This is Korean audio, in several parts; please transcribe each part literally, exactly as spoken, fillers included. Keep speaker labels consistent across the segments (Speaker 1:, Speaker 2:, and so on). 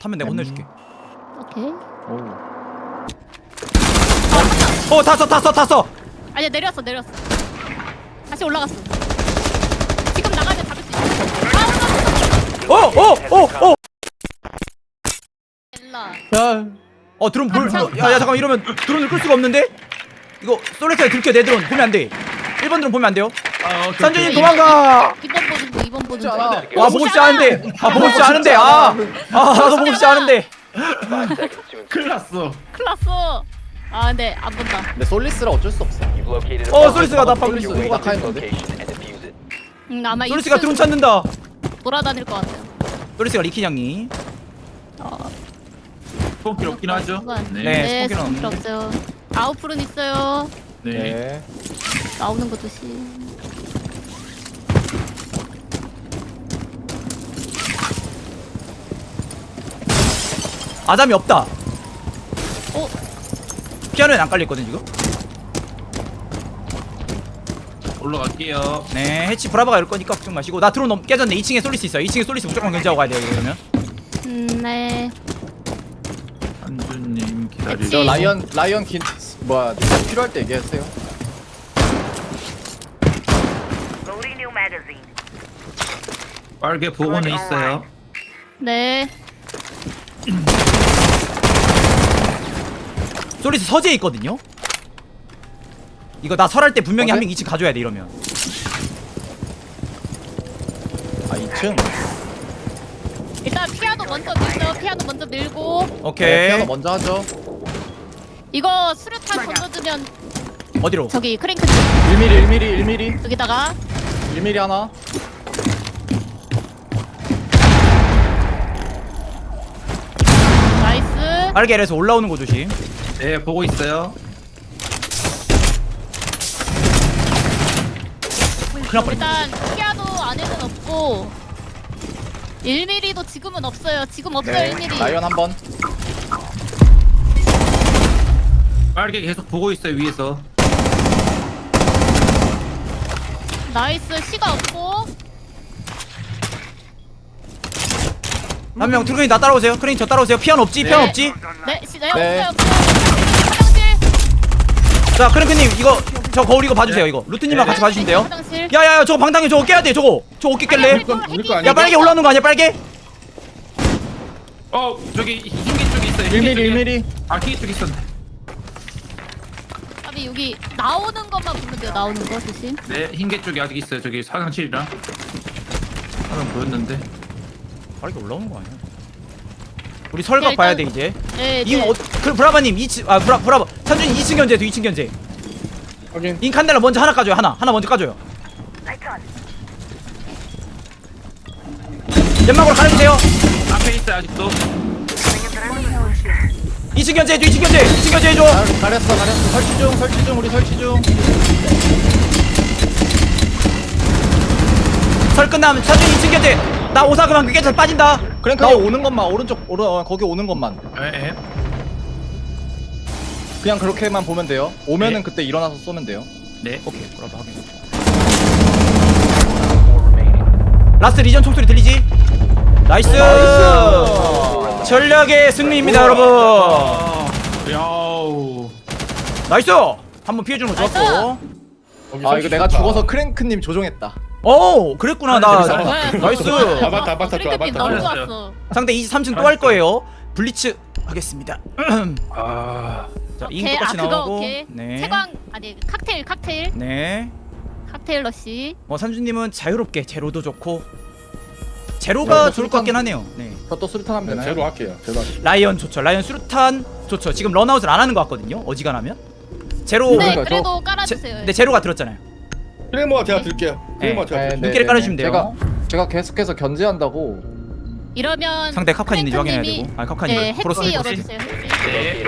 Speaker 1: 타면 내가 혼내줄게.
Speaker 2: 오케이.
Speaker 3: 오.
Speaker 1: 어 탔어 탔어 탔어.
Speaker 2: 아니야 내렸어 내렸어. 다시 올라갔어. 지금 나가면 잡을 수 있어. 아
Speaker 1: 어어어어
Speaker 2: 올라.
Speaker 3: 야.
Speaker 1: 어 드론 볼.
Speaker 2: 깜짝
Speaker 1: 야야 잠깐 만 이러면 드론을 끌 수가 없는데. 이거 솔레트에 들켜 내 드론 보면 안 돼. 일 번 드론 보면 안 돼요.
Speaker 4: 아, 오케이,
Speaker 1: 산준이
Speaker 4: 오케이.
Speaker 1: 도망가.
Speaker 2: 이번 보는 거 이번 보는 거.
Speaker 3: 않아.
Speaker 1: 와 보고 싶지 않은데. 아 보고 싶지 않은데. 아아 나도 보고 싶지 않은데.
Speaker 4: 큰일 났어.
Speaker 2: 큰일 났어. 아 근데 안 본다.
Speaker 3: 근데 솔리스라 어쩔 수 없어.
Speaker 1: 어 솔리스가 나 방금.
Speaker 3: 솔리스 누가 카인거든.
Speaker 2: 음 아마
Speaker 1: 솔리스가
Speaker 2: 이쯤
Speaker 1: 드론 찾는다.
Speaker 2: 돌아다닐 것 같아요.
Speaker 1: 솔리스가 리키냥이.
Speaker 2: 어.
Speaker 4: 스폰킬 없긴 하죠.
Speaker 1: 네.
Speaker 4: 네.
Speaker 2: 네,
Speaker 1: 스폰키는
Speaker 2: 스폰킬 없어요. 아웃풀은 있어요.
Speaker 4: 네.
Speaker 3: 네.
Speaker 2: 나오는 거 조심.
Speaker 1: 아담이 없다.
Speaker 2: 어?
Speaker 1: 피아노에 안 깔려있거든 지금.
Speaker 4: 올라갈게요.
Speaker 1: 네 해치 브라바가 열 거니까 걱정 마시고. 나 드론 넘 깨졌네. 이 층에 솔리스 있어. 이 층에 솔리스 무조건 견제하고 가야 돼요 이러면.
Speaker 2: 음, 네.
Speaker 4: 한준님 기다리고.
Speaker 2: 그치.
Speaker 3: 저 라이언 라이언 긴 뭐야 필요할 때 얘기했어요.
Speaker 5: Loading new magazine.
Speaker 4: 빨개 보고는 있어요.
Speaker 2: 네.
Speaker 1: 솔리스 서재에 있거든요. 이거 나 설할 때 분명히
Speaker 3: 어때?
Speaker 1: 한 명 이 층 가줘야 돼 이러면.
Speaker 3: 아 이 층.
Speaker 2: 일단 피아노 먼저 밀죠. 피아노 먼저 밀고
Speaker 3: 네,
Speaker 1: 오케이.
Speaker 3: 피아노 먼저 하죠.
Speaker 2: 이거 수류탄 던져주면
Speaker 1: 어디로?
Speaker 2: 저기 크랭크
Speaker 3: 일 밀리 일 밀리 일 밀리
Speaker 2: 여기다가
Speaker 3: 일 밀리 하나.
Speaker 2: 나이스.
Speaker 1: 알게에서 올라오는 거 조심.
Speaker 4: 네, 보고 있어요.
Speaker 1: 큰일 날 뻔했네.
Speaker 2: 일단 피아노 안에는 없고 일 밀리도 지금은 없어요. 지금 없어요
Speaker 3: 네.
Speaker 2: 일 밀리.
Speaker 3: 라이언 한 번.
Speaker 4: 빨개 계속 보고 있어요 위에서.
Speaker 2: 나이스. 시가 없고
Speaker 1: 한 명 트루크님 나 따라오세요. 크레인 저 따라오세요. 피아노 없지? 피아노
Speaker 2: 네.
Speaker 1: 없지?
Speaker 2: 네, 시, 네,
Speaker 3: 네.
Speaker 2: 없어요 없어요. 화장실.
Speaker 1: 자 크랭크님 이거 저 거울 이거 봐주세요. 이거 루트님이랑
Speaker 4: 네.
Speaker 1: 같이 봐주시면 돼요.
Speaker 2: 화장실.
Speaker 1: 야야야 저거 방당해. 저거 깨야 돼. 저거 저거 어깨 깰래?
Speaker 2: 아니, 아니,
Speaker 4: 우리 거
Speaker 2: 아니,
Speaker 1: 야 빨개 올라오는 거 아니야 빨개?
Speaker 4: 어 저기 흰개 쪽에 있어요.
Speaker 3: 일 밀리 일 밀리.
Speaker 4: 아 흰개 쪽에 있었네.
Speaker 2: 아니 여기 나오는 것만 보면 돼요. 나오는 거 조심.
Speaker 4: 네, 흰개 쪽에 아직 있어요. 저기 화장실이랑. 하나 보였는데.
Speaker 1: 빨개 올라오는 거 아니야? 우리 설각
Speaker 2: 네,
Speaker 1: 봐야
Speaker 2: 일단-
Speaker 1: 돼 이제.
Speaker 2: 네,
Speaker 1: 이
Speaker 2: 네.
Speaker 1: 어, 그 브라바님 이 층 아 브라 브라바 찬준이 이 층 견제도 이 층 견제.
Speaker 3: 확인.
Speaker 1: 인 칸델라 먼저 하나 까줘요. 하나 하나 먼저 까줘요.
Speaker 5: Lights on.
Speaker 1: 연막으로 가려주세요.
Speaker 4: 앞에 있어요 아직도.
Speaker 1: 이 층 견제 해줘. 이 층 견제. 이 층 견제 해줘.
Speaker 3: 가- 가렸어 가렸어. 설치 중 설치 중 우리 설치 중.
Speaker 1: 설 끝나면 찬준이 이 층 견제. 나 오사 그만 깨져 빠진다.
Speaker 3: 그냥
Speaker 1: 나
Speaker 3: 그냥 오는 것만 오른쪽 오른 어, 거기 오는 것만.
Speaker 4: 예, 예.
Speaker 3: 그냥 그렇게만 보면 돼요. 오면은
Speaker 4: 네.
Speaker 3: 그때 일어나서 쏘면 돼요.
Speaker 4: 네.
Speaker 1: 오케이 브라바 확인. 라스트 리전 총소리 들리지? 나이스.
Speaker 3: 나이스.
Speaker 1: 전략의 승리입니다 여러분.
Speaker 4: 아, 야우.
Speaker 1: 나이스. 한번 피해주는 거 좋았고.
Speaker 3: 아 이거 내가 죽어서 크랭크님 조종했다.
Speaker 1: 오 그랬구나 나.
Speaker 2: 네,
Speaker 1: 나이스.
Speaker 2: 좋았어요.
Speaker 6: 아바타, 아바타 좋아,
Speaker 2: 크랭크님
Speaker 6: 아바타
Speaker 2: 너무
Speaker 4: 좋아.
Speaker 2: 좋았어.
Speaker 1: 상대 이십삼 층 또 할 거예요. 블리츠 하겠습니다.
Speaker 4: 아.
Speaker 1: 자, 인
Speaker 2: 오케이, 아
Speaker 1: 똑같이
Speaker 2: 그거
Speaker 1: 나오고.
Speaker 2: 오케이.
Speaker 1: 네.
Speaker 2: 채광 아니 칵테일 칵테일
Speaker 1: 네.
Speaker 2: 칵테일 러시.
Speaker 1: 어 산주님은 자유롭게 제로도 좋고 제로가
Speaker 3: 네,
Speaker 1: 좋을 것 같긴 하네요. 네.
Speaker 3: 저또 수류탄 하면 되나요?
Speaker 6: 제로 할게요. 제로 할게요.
Speaker 1: 라이언 좋죠. 라이언 수류탄 좋죠. 지금 런아웃을 안 하는 것 같거든요. 어지간하면. 제로.
Speaker 2: 네
Speaker 3: 그러니까
Speaker 2: 그래도
Speaker 1: 제,
Speaker 2: 깔아주세요.
Speaker 1: 근데 제로가 들었잖아요.
Speaker 6: 크레모가 제가 들게요. 크레모가
Speaker 1: 네.
Speaker 6: 제가
Speaker 3: 네,
Speaker 6: 들게요.
Speaker 3: 네,
Speaker 1: 눈길을
Speaker 3: 네,
Speaker 1: 깔아주시면
Speaker 3: 네.
Speaker 1: 돼요.
Speaker 3: 제가 제가 계속해서 견제한다고.
Speaker 2: 이러면
Speaker 1: 상대 카칸 있는지 확인해야
Speaker 2: 크랭크님이-
Speaker 1: 되고. 아 카칸이
Speaker 2: 네
Speaker 1: 프로스
Speaker 2: 해치
Speaker 1: 해치.
Speaker 2: 열어주세요. 해치.
Speaker 4: 네.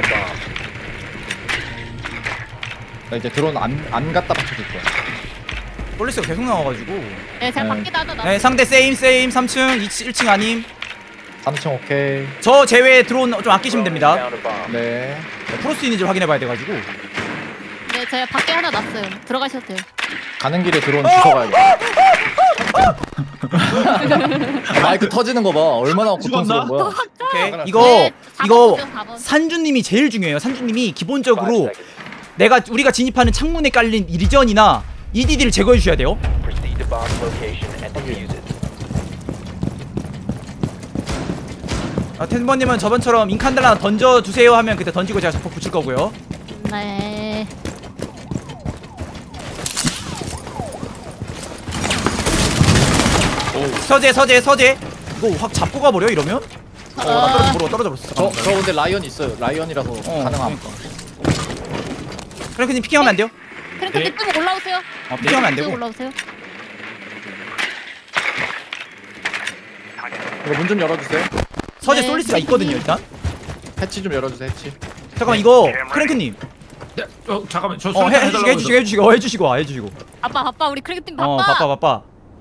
Speaker 3: 나 이제 드론 안 안 갖다 받쳐줄 거야.
Speaker 1: 폴리스가 계속 나와가지고.
Speaker 2: 네 제가
Speaker 3: 네.
Speaker 2: 밖에다 하나 놔.
Speaker 1: 네 상대 세임 세임 삼 층 일 층 아님.
Speaker 3: 삼 층 오케이.
Speaker 1: 저 제외 드론 좀 아끼시면 됩니다.
Speaker 3: 네.
Speaker 1: 네, 프로스 있는지 확인해봐야 돼가지고.
Speaker 2: 네 제가 밖에 하나 놨어요. 들어가셔도 돼요.
Speaker 3: 가는 길에 드론 주워가야겠다. 마이크 터지는 거 봐. 얼마나 고통스러운 거야.
Speaker 1: 오케이.
Speaker 6: 하나.
Speaker 1: 이거
Speaker 2: 네, 사 번
Speaker 1: 이거
Speaker 2: 보세요, 사 번.
Speaker 1: 산주님이 제일 중요해요. 산주님이 기본적으로 내가 우리가 진입하는 창문에 깔린 리전이나 이디디를 제거해 주셔야 돼요.
Speaker 7: Proceed to bomb location and defuse it.
Speaker 1: 아, 텐버님은 저번처럼 인칸들 하나 던져 주세요 하면 그때 던지고 제가 자폭 붙일 거고요.
Speaker 2: 네.
Speaker 1: 서재 서재 서재. 이거 확 잡고 가버려 이러면? 어, 나 떨어져 버려 떨어져 버렸어.
Speaker 3: 저, 저 근데 라이언 있어요. 라이언이라서
Speaker 1: 어,
Speaker 3: 가능함.
Speaker 1: 프랭크님 피킹하면 안 돼요?
Speaker 2: 그러니까
Speaker 4: 네.
Speaker 2: 좀 올라오세요.
Speaker 1: 어, 피킹하면 안
Speaker 2: 쭉
Speaker 1: 되고.
Speaker 2: 올라오세요.
Speaker 3: 이거 문 좀 열어주세요.
Speaker 1: 서재
Speaker 2: 네,
Speaker 1: 솔리스가 있거든요 일단.
Speaker 3: 해치 좀 열어주세요. 해치.
Speaker 1: 잠깐만 이거 프랭크님.
Speaker 4: 네, 어 잠깐만 저
Speaker 1: 어
Speaker 4: 수류탄
Speaker 1: 해, 해주시고
Speaker 4: 해달라고
Speaker 1: 해주시고 해주시고 어, 해주시고 와 해주시고.
Speaker 2: 바빠 바빠 우리 크리켓팀 바빠.
Speaker 1: 어 바빠 바빠.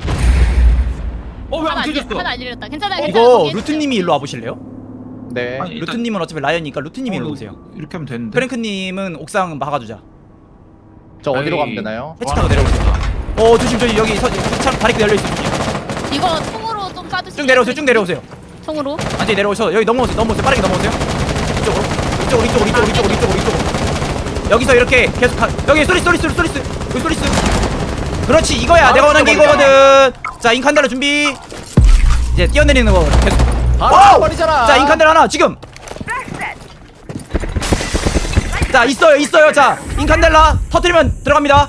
Speaker 4: 어왜
Speaker 2: 하나
Speaker 4: 안
Speaker 2: 안
Speaker 4: 튀겼어?
Speaker 2: 하나 안 잃었다. 괜찮아요. 괜찮아요.
Speaker 1: 이거
Speaker 2: 거기
Speaker 1: 루트님이 일로 와보실래요?
Speaker 3: 네.
Speaker 4: 아니, 일단-
Speaker 1: 루트님은 어차피 라이언이니까 루트님이 일로
Speaker 4: 어,
Speaker 1: 오세요.
Speaker 4: 이렇게 하면 되는데.
Speaker 1: 프랭크님은 옥상 막아주자.
Speaker 3: 저 어디로
Speaker 4: 아이.
Speaker 3: 가면 되나요?
Speaker 1: 해치 타고 내려오세요. 어 조심 조심 여기 서 참 다리 열려 있어.
Speaker 2: 이거 총으로 좀 쏴주시면.
Speaker 1: 쭉 내려오세요 쭉 내려오세요.
Speaker 2: 총으로.
Speaker 1: 완전히 내려오셔. 여기 넘어오세요 넘어오세요 빠르게 넘어오세요. 이쪽으로 이쪽으로 이쪽으로 이쪽으로 이쪽으로 이쪽으로 이쪽으로. 여기서 이렇게 계속 가. 여기 소리스 소리스 소리스 여기 소리스. 그렇지 이거야 내가 원하는 게 이거거든. 자 인칸달러 준비. 이제 뛰어내리는 거 계속.
Speaker 3: 아, 버리잖아.
Speaker 1: 자 인칸달 하나 지금. 자 있어요 있어요. 자 인칸델라 터트리면 들어갑니다.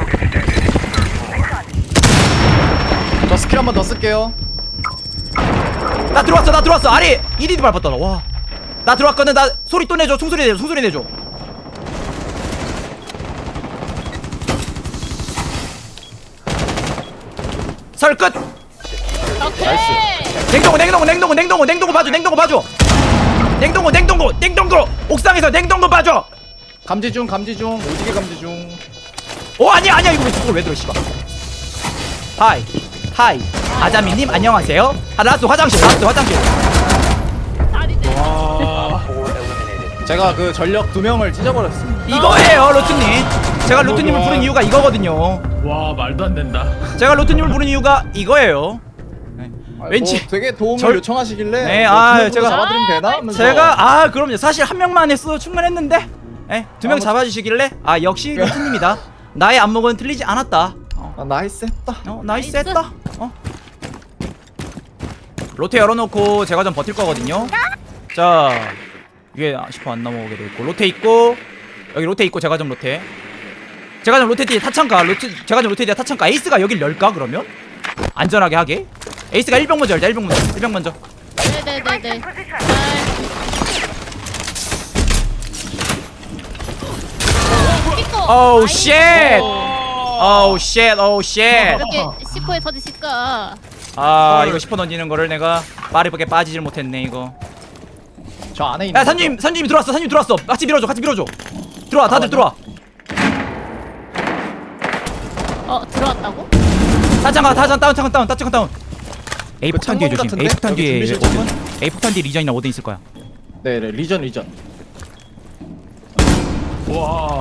Speaker 3: 저 스킬 한 번 더 쓸게요.
Speaker 1: 나 들어왔어 나 들어왔어 아리 이디디 밟았다 와. 나 들어왔거든. 나 소리 또 내줘 총소리 내줘 총소리 내줘. 설 끝.
Speaker 2: 오케이.
Speaker 1: 냉동고 냉동고 냉동고 냉동고 냉동고 봐줘 냉동고 봐줘. 냉동고 냉동고 냉동고 옥상에서 냉동고 봐줘.
Speaker 3: 감지 중, 감지 중, 오지게 감지 중.
Speaker 1: 오 아니야 아니야 이거 왜 저걸 왜 들어 씨발. 하이 하이 아자미님 안녕하세요. 아 라스 화장실 라스 화장실.
Speaker 2: 다리네.
Speaker 7: Four eliminated.
Speaker 3: 제가 그 전력 두 명을 찢어버렸습니다.
Speaker 1: 이거예요 로트님. 제가 로트님을 부른 이유가 이거거든요.
Speaker 4: 와 말도 안 된다.
Speaker 1: 제가 로트님을 부른 이유가 이거예요.
Speaker 3: 아,
Speaker 1: 왠지-
Speaker 3: 뭐 되게 도움을
Speaker 1: 절-
Speaker 3: 요청하시길래
Speaker 1: 네,
Speaker 3: 뭐
Speaker 1: 아,
Speaker 3: 두 명으로
Speaker 1: 제가-
Speaker 3: 잡아드리면 되나? 하면서
Speaker 1: 제가 아 그럼요 사실 한 명만 했어 충분했는데 예, 두 명
Speaker 3: 아, 뭐-
Speaker 1: 잡아주시길래 아 역시 로트님이다. 나의 안목은 틀리지 않았다. 어,
Speaker 3: 아, 나이스 했다.
Speaker 1: 어 나이스
Speaker 2: 나이스.
Speaker 1: 했다. 어. 로테 열어놓고 제가 좀 버틸 거거든요. 자 위에 십 호 안 넘어오게 돼 있고 로테 있고 여기 로테 있고 제가 좀 로테. 제가 좀 로테 뒤에 타창가 로테 제가 좀 로테 뒤에 타창가 에이스가 여길 열까 그러면 안전하게 하게. 에이스가 일 병 먼저 열자 일 병 먼저 일 병 먼저.
Speaker 2: 네네네네.
Speaker 1: 오우 쉣. 오우 쉣 오우 쉣.
Speaker 2: 이렇게 시포에 터지실까?
Speaker 1: 아 이거 십 호 던지는 거를 내가 빠르게 빠지질 못했네 이거.
Speaker 3: 저 안에 있는
Speaker 1: 야 산님 산님이 들어왔어 산님 들어왔어. 같이 밀어줘 같이 밀어줘. 들어와 다들 들어와.
Speaker 2: 어 들어왔다고?
Speaker 1: 타창가 타창 다운 타창 다운 타창 다운. A
Speaker 3: 그
Speaker 1: 폭탄 뒤에
Speaker 3: 창문
Speaker 1: 조심.
Speaker 3: 같은데?
Speaker 1: A 폭탄
Speaker 3: 여기
Speaker 1: 뒤에
Speaker 3: 준비실 창문?
Speaker 1: A 폭탄 뒤에 리전이나 오든 있을 거야.
Speaker 3: 네, 네, 리전 리전.
Speaker 4: 와.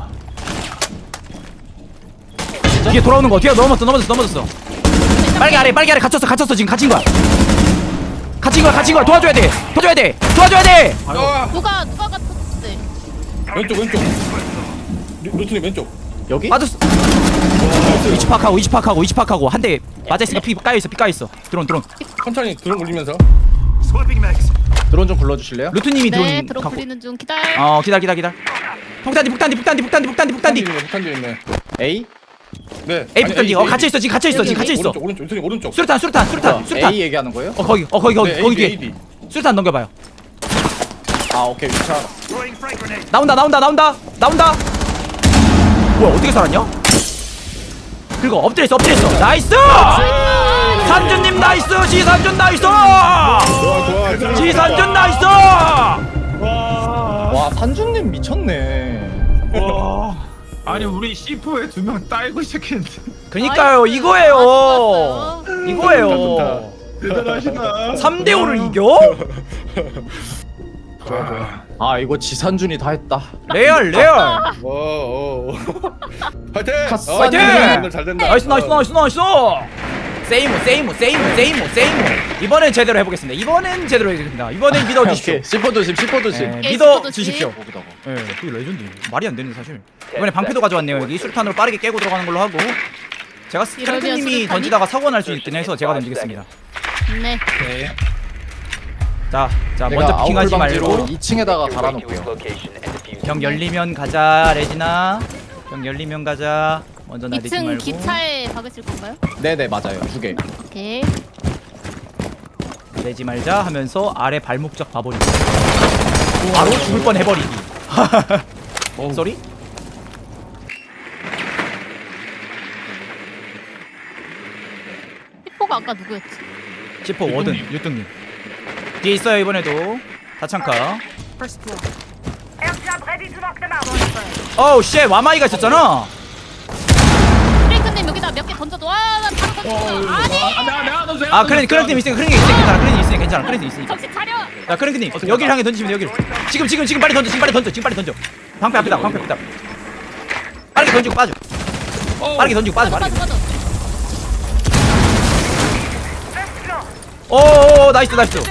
Speaker 1: 뒤에 돌아오는 거 뒤에 넘어졌어 넘어졌어 넘어졌어. 빨개 아래 빨개 아래 갇혔어 갇혔어 지금 갇힌 거야. 갇힌 거야 갇힌 거야 도와줘야 돼 도와줘야 돼 도와줘야 돼.
Speaker 6: 아,
Speaker 2: 누가 누가 같았지?
Speaker 6: 왼쪽 왼쪽. 루- 루트님 왼쪽.
Speaker 3: 여기?
Speaker 1: 맞았어. 위치 파악하고 위치 파악하고 위치 파악하고 한 대 맞아 있으니까 피 까여 있어 피 까여 있어. 드론 드론.
Speaker 6: 천천히 드론 올리면서.
Speaker 3: 드론 좀 불러주실래요?
Speaker 1: 루트님이
Speaker 2: 네
Speaker 1: 드론
Speaker 2: 들어
Speaker 1: 갖고.
Speaker 2: 부리는 중 기다려.
Speaker 1: 어 기다 기다 기다. 폭탄디 폭탄디 폭탄디 폭탄디 폭탄디 폭탄디.
Speaker 6: 폭탄 뒤에 있네.
Speaker 3: A?
Speaker 6: 네.
Speaker 1: A
Speaker 6: 아니,
Speaker 1: 폭탄디 어 갇혀 있어 지금 갇혀 있어 지금 갇혀 있어.
Speaker 6: 오른쪽 오른쪽 루트님 오른쪽.
Speaker 1: 수류탄 수류탄 수류탄
Speaker 3: 뭐야,
Speaker 1: 수류탄.
Speaker 3: A 얘기하는 거예요?
Speaker 1: 어 거기 어 거기 거기
Speaker 6: 네,
Speaker 1: 거기
Speaker 6: A D,
Speaker 1: 뒤에
Speaker 6: A D.
Speaker 1: 수류탄 넘겨봐요.
Speaker 3: 아, 오케이. 위치 알았어.
Speaker 1: 나온다 나온다 나온다 나온다. 뭐야 어떻게 살았냐? 그리고 엎드려 있어 엎드려 있어. 나이스. 삼준님 나이스. 지삼준 나이스.
Speaker 6: 좋아 좋아.
Speaker 1: 지삼준 나이스.
Speaker 3: 와, 산준님 미쳤네.
Speaker 4: 아니 우리 씨포에 두 명 따이고 시작했는데.
Speaker 1: 그니까요
Speaker 2: 나이스.
Speaker 1: 이거예요.
Speaker 2: 아, 좋았어요.
Speaker 1: 이거예요.
Speaker 6: 대단하시다.
Speaker 1: 삼 대 오를 이겨?
Speaker 6: 좋아 좋아.
Speaker 3: 아, 이거 지산준이 다 했다.
Speaker 1: 레알 레알.
Speaker 6: 오 오. 파이팅.
Speaker 3: 카스.
Speaker 6: 어,
Speaker 1: 파이팅!
Speaker 6: 오늘 잘 된다.
Speaker 1: 나이스 나이스 나이스 나이스. 세이모 세이모 세이모 세이모 세이모. 이번엔 제대로 해보겠습니다. 이번엔 제대로 해보겠습니다. 이번엔 믿어주십시오.
Speaker 3: 오케이. 시퍼 조심, 시퍼 조심.
Speaker 1: 네,
Speaker 2: 오케이,
Speaker 1: 믿어주십시오.
Speaker 3: 거기다가.
Speaker 1: 예, 그게 레전드. 말이 안 되는 사실. 이번에 방패도 가져왔네요. 여기 수류탄으로 빠르게 깨고 들어가는 걸로 하고. 제가
Speaker 2: 이러면
Speaker 1: 스크래프님이
Speaker 2: 수류탄이?
Speaker 1: 던지다가 사고 날 수 있긴 해서 제가 던지겠습니다.
Speaker 2: 네.
Speaker 4: 오케이.
Speaker 1: 자, 자
Speaker 3: 내가
Speaker 1: 먼저 피킹하지
Speaker 3: 아웃풀 방지로
Speaker 1: 말고
Speaker 3: 이 층에다가
Speaker 7: Make your way to its
Speaker 3: 달아놓을게요.
Speaker 7: location and defuse
Speaker 1: 병
Speaker 7: it.
Speaker 1: 열리면 가자 레지나. 병 열리면 가자. 먼저 나대지
Speaker 2: 이 층
Speaker 1: 말고.
Speaker 2: 기차에 박으실 건가요?
Speaker 3: 네네 맞아요. 두 개.
Speaker 2: 오케이.
Speaker 1: 내지 말자 하면서 아래 발목적 봐버리기. 바로 죽을 뻔 해버리기.
Speaker 4: 어우.
Speaker 1: 쏘리?
Speaker 2: 픽포가 아까 누구였지?
Speaker 1: 지퍼 워든 유뚱님 뒤에 있어요. 이번에도 다창카.
Speaker 5: Airdrop ready to knock them out.
Speaker 1: 어우 쉣 와마이가 있었잖아.
Speaker 2: 프랭크님 여기다 몇 개 던져도 와나 바로 던졌어. 아니
Speaker 4: 아, 내가 내가 너
Speaker 1: 아 크랭 크랭님 있으니까 크랭이 있으니까 괜찮아. 크랭이 있으니까 괜찮아. 크랭이 있으니까.
Speaker 2: 정신 차려.
Speaker 1: 자 크랭님 여기를 향해 던지시면 돼요. 여기를. 지금 지금 지금 빨리 던져. 지금 빨리 던져. 지금 빨리 던져. 방패 앞에다. 방패 앞에다. 빠르게 던지고 빠져. 빠르게 던지고 빠져.
Speaker 2: 빠져
Speaker 1: 빠르게.
Speaker 2: 빠져 빠져.
Speaker 5: First floor.
Speaker 1: 오오오 나이스 나이스.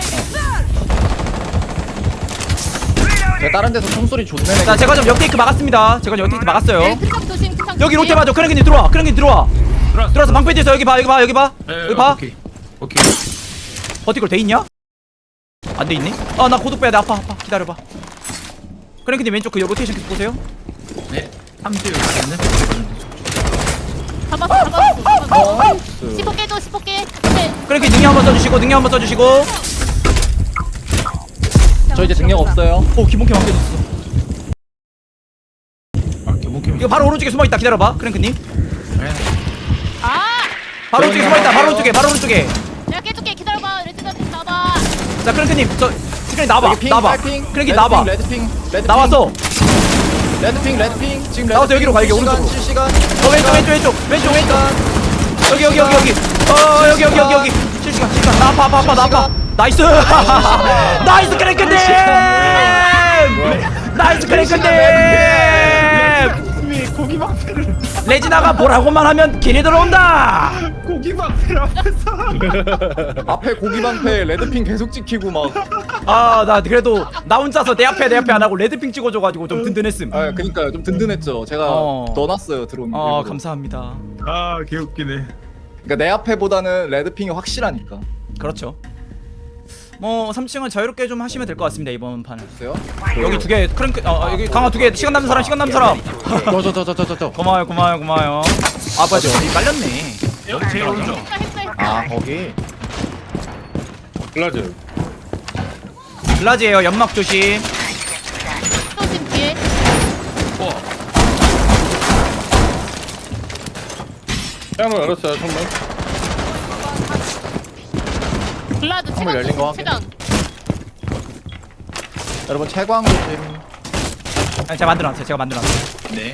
Speaker 3: 제가 다른 데서 총소리 존내.
Speaker 1: 자 제가 좀 역테이크 막았습니다. 제가 좀 역테이크 막았어요.
Speaker 2: 네, 큰창 조심 큰창 조심.
Speaker 1: 여기 롯데 봐줘. 크랭님 들어와. 크랭님 들어와.
Speaker 4: 들어왔어.
Speaker 1: 들어와서 방패 뒤에서 여기 봐. 여기 봐. 여기 봐.
Speaker 4: 예,
Speaker 1: 여기 봐.
Speaker 4: 오케이. 오케이.
Speaker 1: 버티컬 돼 있냐? 안 돼 있니? 아 나 고독 빼야 돼. 아파 아파. 기다려봐. 크랭크님 왼쪽 그 로테이션 계속 보세요.
Speaker 4: 네. 삼 대 여기 있네.
Speaker 2: 잡았어 잡았어 잡았어.
Speaker 3: 나이스.
Speaker 2: 십오 개 줘 십오 개. 네.
Speaker 1: 크랭크 능력 한번 써주시고 능력 한번 써주시고.
Speaker 3: 저 이제 능력 없어요.
Speaker 1: 오 기본캐 완벽했어.
Speaker 4: 아, 개목개.
Speaker 1: 이거 바로 오른쪽에 숨어있다. 기다려봐 크랭크님.
Speaker 4: 네.
Speaker 2: 아
Speaker 1: 바로 오른쪽에 숨어있다. 바로 오른쪽에 바로 오른쪽에.
Speaker 2: 내가 깨줄게 기다려봐. 레지던트 잡아.
Speaker 1: 자 크랭크님 저 크랭크 나와봐.
Speaker 3: 여기 핑,
Speaker 1: 나와봐.
Speaker 3: 빨핑,
Speaker 1: 크랭크 나와봐.
Speaker 3: 레드핑, 레드핑,
Speaker 1: 나와서
Speaker 3: 레드핑, 레드핑. 지금
Speaker 1: 나와서 여기로 가, 여기
Speaker 3: 실시간,
Speaker 1: 오른쪽으로.
Speaker 3: 실시간.
Speaker 1: 어 왼쪽 왼쪽 왼쪽 왼쪽 왼쪽. 여기 여기 여기 여기. 어 여기 여기 여기 여기. 실시간 실시간. 나 아파 아파 아파 나 아파. 나이스. 나이스 크랭크님. 나이스 크랭크님.
Speaker 6: 고기 방패를
Speaker 1: 레지나가 뭐라고만 하면 길이 들어온다.
Speaker 6: 고기 방패를 앞에서.
Speaker 3: 앞에 고기 방패 레드핑 계속 찍히고 막.
Speaker 1: 아 나 그래도 나 혼자서 내 앞에 내 앞에 안 하고 레드핑 찍어줘가지고 좀 든든했음.
Speaker 3: 아 그니까요 좀 든든했죠. 제가
Speaker 1: 어.
Speaker 3: 넣어놨어요 드론.
Speaker 1: 아
Speaker 3: 일부러.
Speaker 1: 감사합니다.
Speaker 6: 아 개웃기네.
Speaker 3: 그러니까 내 앞에보다는 레드핑이 확실하니까.
Speaker 1: 그렇죠. 뭐 삼 층은 자유롭게 좀 하시면 될 것 같습니다 이번 판은.
Speaker 3: 보세요.
Speaker 1: 여기 두 개 크랭크 어 어, 여기 강화 두 개 시간 남는 사람 시간 남는 사람.
Speaker 3: 저 저 저 저 저 저.
Speaker 1: 고마워요 고마워요 고마워요. 아 맞아 어디 깔렸네.
Speaker 4: 여기 제일 오른쪽.
Speaker 2: 했어 했어 했어.
Speaker 3: 아 거기.
Speaker 6: 글라즈.
Speaker 1: 글라지에요. 연막 조심.
Speaker 2: 조심 뒤에.
Speaker 4: 어.
Speaker 6: 창문 열었어요 창문.
Speaker 2: 블라드
Speaker 3: 창문 열린 거
Speaker 2: 최강
Speaker 3: 확인.
Speaker 2: 최강.
Speaker 3: 여러분 채광 조심.
Speaker 1: 아니, 제가 만들어놨어요. 제가 만들어놨어요.
Speaker 4: 네.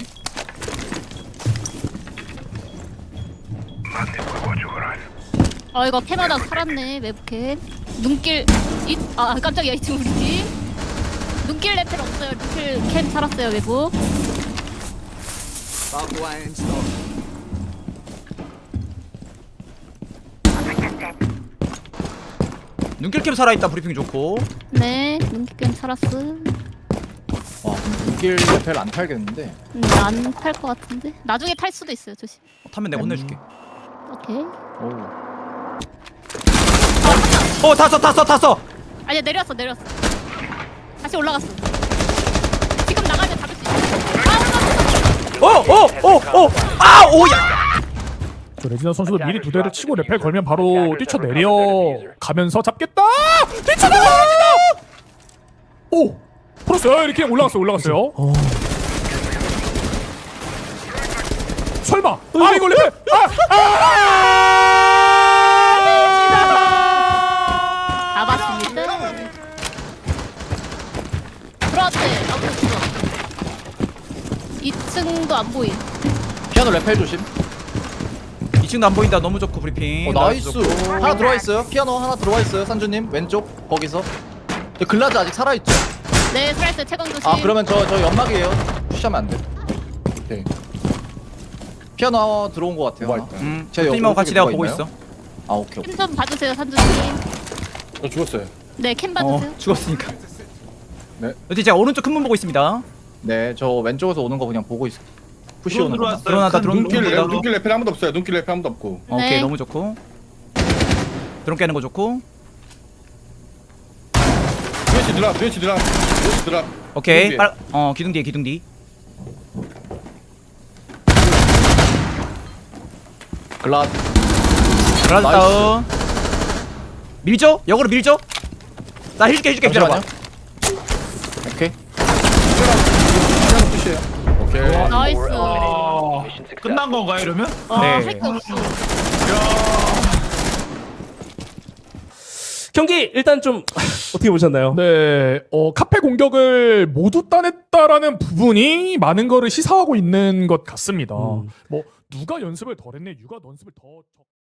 Speaker 2: 아 이거 캐마다 살았네 웹캠. 눈길 이아 깜짝이야 이 친구 우리 팀. 눈길 레펠 없어요. 눈길 캠 살았어요 외부.
Speaker 1: 눈길캠 살아있다. 브리핑 좋고.
Speaker 2: 네 눈길 캠 살았어.
Speaker 3: 와 눈길 레펠 안 탈겠는데.
Speaker 2: 음, 안탈 것 같은데. 나중에 탈 수도 있어요 조심.
Speaker 1: 어, 타면 내가 혼내줄게.
Speaker 2: 오케이.
Speaker 3: 오.
Speaker 1: 어 탔어 탔어 탔어.
Speaker 2: 아니야 내렸어 내렸어. 다시 올라갔어. 지금 나가면 잡을 수 있어. 아
Speaker 1: 어어어어 아 오야.
Speaker 8: 저 레지나 선수도 미리 두 대를 치고 레펠 걸면 바로 뛰쳐내려 가면서 잡겠다! 뛰쳐내려 레지나! 오! 풀었어요. 이렇게 올라갔어요. 올라갔어요. 설마! 아 이거 레펠! 아! 아!
Speaker 2: 잡았습니다. 들어왔대. 아무도 없어. 이 층도 안 보임.
Speaker 3: 피아노 레펠 조심.
Speaker 1: 이 층도 안 보인다. 너무 좋고 브리핑.
Speaker 3: 어 나이스. 하나 들어와 있어요. 피아노 하나 들어와 있어요. 산주님 왼쪽 거기서. 저 글라즈 아직 살아 있죠?
Speaker 2: 네 스라이스 채광 조심.
Speaker 3: 아 그러면 저 저 연막이에요. 푸시하면 안 돼. 오케이. 피아노 들어온 것 같아요. 하나.
Speaker 1: 음.
Speaker 3: 제
Speaker 1: 팀하고
Speaker 3: 옆
Speaker 1: 같이
Speaker 3: 오른쪽에
Speaker 1: 내가
Speaker 3: 누가
Speaker 1: 보고
Speaker 3: 있나요?
Speaker 1: 있어.
Speaker 3: 아 오케이 오케이.
Speaker 2: 캠 좀 봐주세요 산주님.
Speaker 6: 저 죽었어요.
Speaker 2: 네 캠
Speaker 1: 어
Speaker 2: 봐주세요.
Speaker 1: 죽었으니까.
Speaker 3: 네.
Speaker 1: 로테 제가 오른쪽 큰 문 보고 있습니다.
Speaker 3: 네, 저 왼쪽에서 오는 거 그냥 보고 있어. 푸시
Speaker 4: 드론
Speaker 3: 오는 거.
Speaker 4: 들어왔어요.
Speaker 1: 들어놨다,
Speaker 4: 큰
Speaker 1: 드론
Speaker 6: 눈길
Speaker 1: 눈길
Speaker 6: 레,
Speaker 1: 레-
Speaker 6: 눈길 레펠 아무도 없어요. 눈길 레펠 아무도 없고.
Speaker 1: 어, 오케이
Speaker 2: 네.
Speaker 1: 너무 좋고. 드론 깨는 거 좋고.
Speaker 6: 브레치 드랍, 브레치 드랍, 브레치 드랍.
Speaker 1: 오케이
Speaker 6: 기둥 뒤에.
Speaker 1: 빨, 어 기둥 뒤에 기둥 뒤.
Speaker 3: 글라스.
Speaker 1: 그라드
Speaker 3: 나이스.
Speaker 1: 다운. 밀죠? 역으로 밀죠? 나 해줄게 해줄게 기다려봐.
Speaker 3: 잠시만요. 오케이.
Speaker 6: 피아노 푸시해요. 오케이.
Speaker 2: 나이스.
Speaker 7: Four eliminated.
Speaker 4: 아,
Speaker 7: Mission success.
Speaker 4: 끝난 건가요 이러면?
Speaker 2: 아,
Speaker 1: 네.
Speaker 2: 할 게 없어.
Speaker 9: 경기 일단 좀 어떻게 보셨나요?
Speaker 8: 네, 어, 카페 공격을 모두 따냈다라는 부분이 많은 거를 시사하고 있는 것 같습니다.
Speaker 9: 음.
Speaker 8: 뭐 누가 연습을 덜 했네, 누가 연습을 더 적...